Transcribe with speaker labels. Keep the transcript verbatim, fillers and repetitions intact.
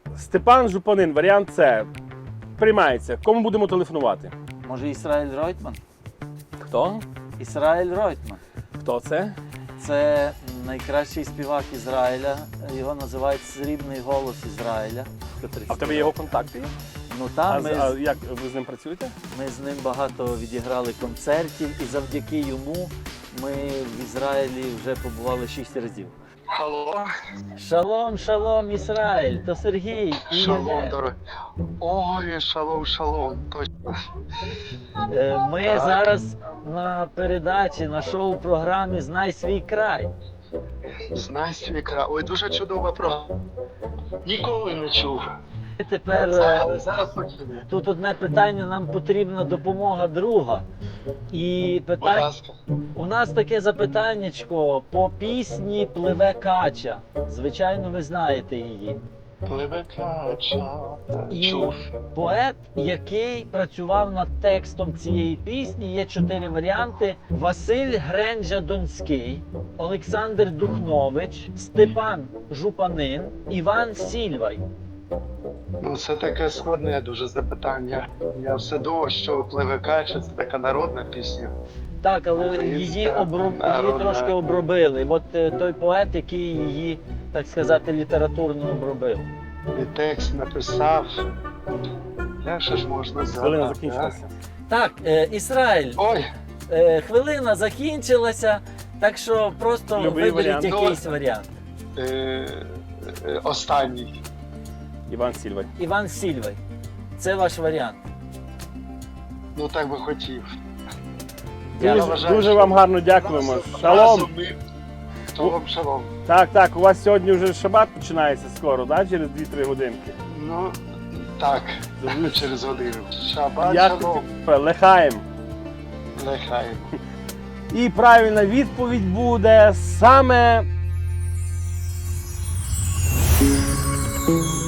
Speaker 1: Степан Жупанин, варіант С. Приймається. Кому будемо телефонувати?
Speaker 2: Може, Ісраїль Ройтман?
Speaker 1: Хто?
Speaker 2: Ісраїль Ройтман.
Speaker 1: Хто це?
Speaker 2: Це найкращий співак Ізраїля. Його називають «Срібний голос Ізраїля».
Speaker 1: А в тебе є його контакти?
Speaker 2: Ну
Speaker 1: А,
Speaker 2: там
Speaker 1: з-
Speaker 2: ми,
Speaker 1: а
Speaker 2: з-
Speaker 1: як ви з ним працюєте?
Speaker 2: ми з ним багато відіграли концертів, і завдяки йому ми в Ізраїлі вже побували шість разів.
Speaker 3: Алло,
Speaker 2: Шалом, шалом, Ізраїль, то Сергій. і
Speaker 3: шалом,
Speaker 2: Євген.
Speaker 3: дорогой. Ой, шалом, шалом, точно.
Speaker 2: Е, Ми
Speaker 3: Так.
Speaker 2: зараз на передачі, на шоу-програмі «Знай свій край».
Speaker 3: Знай свій край. Ой, дуже чудова програма. Ніколи не чув.
Speaker 2: І Тепер е,
Speaker 3: Але зараз почув.
Speaker 2: тут одне питання, нам потрібна допомога друга. І
Speaker 3: Будь
Speaker 2: питання,
Speaker 3: ласка.
Speaker 2: у нас таке запитаннячко по пісні «Пливе кача». Звичайно, ви знаєте її.
Speaker 3: Пливе кача.
Speaker 2: І
Speaker 3: Чув.
Speaker 2: поет, який працював над текстом цієї пісні, є чотири варіанти: Василь Гренджа-Донський, Олександр Духнович, Степан Жупанин, Іван Сільвай.
Speaker 3: Ну, це таке складне дуже запитання. Я все думав, що пливе кача це така народна пісня.
Speaker 2: Так, але
Speaker 3: Українська,
Speaker 2: її, оброб... її
Speaker 3: народна.
Speaker 2: трошки обробили. От е, той поет, який її, так сказати, літературно обробив.
Speaker 3: І текст написав. Як же ж можна
Speaker 1: Хвилина
Speaker 3: згадати?
Speaker 1: закінчилася.
Speaker 2: Так, е, Ізраїль,
Speaker 3: Ой,
Speaker 2: е, хвилина закінчилася, так що просто
Speaker 1: Любий
Speaker 2: виберіть
Speaker 1: варіант.
Speaker 2: якийсь варіант.
Speaker 3: е, е, останній.
Speaker 1: Іван Сільвай.
Speaker 2: Іван Сільвай. Це ваш варіант.
Speaker 3: Ну так би хотів.
Speaker 2: Я
Speaker 1: Дуже,
Speaker 3: вважаю,
Speaker 1: дуже
Speaker 3: що
Speaker 1: вам гарно дякуємо.
Speaker 3: Разом-
Speaker 1: Шалом!
Speaker 3: разом ми- Шалом, шалом.
Speaker 1: Так, так, у вас сьогодні вже шабат починається скоро, да? Через дві-три годинки.
Speaker 3: Ну, так, через годину. Шабат,
Speaker 1: Як
Speaker 3: шалом.
Speaker 1: лехаєм.
Speaker 3: Нехай.
Speaker 1: І правильна відповідь буде саме